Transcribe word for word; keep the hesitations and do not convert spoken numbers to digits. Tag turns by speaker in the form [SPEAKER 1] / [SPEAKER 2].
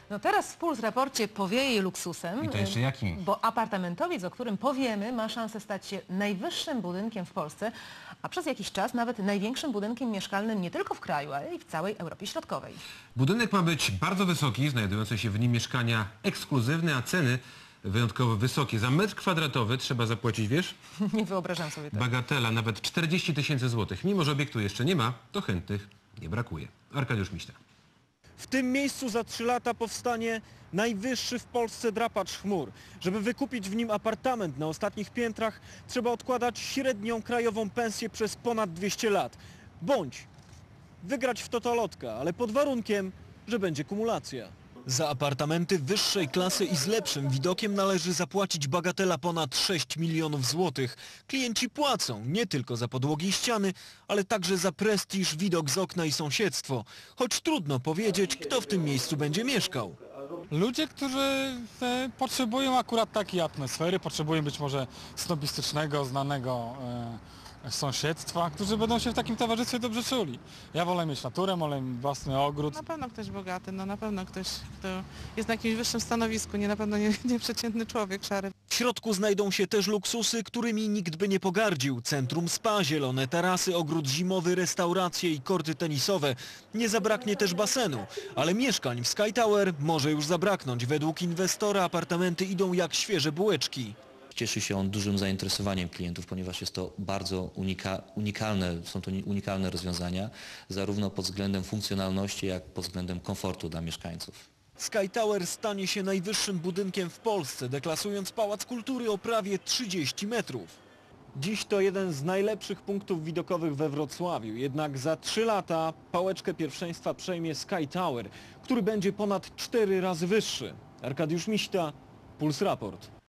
[SPEAKER 1] No teraz w Puls Raporcie powieje luksusem.
[SPEAKER 2] I to jeszcze jakim?
[SPEAKER 1] Bo apartamentowiec, o którym powiemy, ma szansę stać się najwyższym budynkiem w Polsce, a przez jakiś czas nawet największym budynkiem mieszkalnym nie tylko w kraju, ale i w całej Europie Środkowej.
[SPEAKER 2] Budynek ma być bardzo wysoki, znajdujące się w nim mieszkania ekskluzywne, a ceny wyjątkowo wysokie. Za metr kwadratowy trzeba zapłacić, wiesz?
[SPEAKER 1] Nie wyobrażam sobie tego.
[SPEAKER 2] Bagatela, nawet czterdzieści tysięcy złotych. Mimo że obiektu jeszcze nie ma, to chętnych nie brakuje. Arkadiusz Miśta.
[SPEAKER 3] W tym miejscu za trzy lata powstanie najwyższy w Polsce drapacz chmur. Żeby wykupić w nim apartament na ostatnich piętrach, trzeba odkładać średnią krajową pensję przez ponad dwieście lat. Bądź wygrać w totolotka, ale pod warunkiem, że będzie kumulacja. Za apartamenty wyższej klasy i z lepszym widokiem należy zapłacić bagatela ponad sześć milionów złotych. Klienci płacą nie tylko za podłogi i ściany, ale także za prestiż, widok z okna i sąsiedztwo. Choć trudno powiedzieć, kto w tym miejscu będzie mieszkał.
[SPEAKER 4] Ludzie, którzy e, potrzebują akurat takiej atmosfery, potrzebują być może snobistycznego, znanego e, sąsiedztwa, którzy będą się w takim towarzystwie dobrze czuli. Ja wolę mieć naturę, wolę mieć własny ogród.
[SPEAKER 5] Na pewno ktoś bogaty, no na pewno ktoś, kto jest na jakimś wyższym stanowisku, nie na pewno nie, nie przeciętny człowiek szary.
[SPEAKER 3] W środku znajdą się też luksusy, którymi nikt by nie pogardził. Centrum spa, zielone tarasy, ogród zimowy, restauracje i korty tenisowe. Nie zabraknie też basenu, ale mieszkań w Sky Tower może już zabraknąć. Według inwestora apartamenty idą jak świeże bułeczki.
[SPEAKER 6] Cieszy się on dużym zainteresowaniem klientów, ponieważ jest to bardzo unika, unikalne, są to unikalne rozwiązania, zarówno pod względem funkcjonalności, jak pod względem komfortu dla mieszkańców.
[SPEAKER 3] Sky Tower stanie się najwyższym budynkiem w Polsce, deklasując Pałac Kultury o prawie trzydzieści metrów. Dziś to jeden z najlepszych punktów widokowych we Wrocławiu, jednak za trzy lata pałeczkę pierwszeństwa przejmie Sky Tower, który będzie ponad cztery razy wyższy. Arkadiusz Miśta, Puls Raport.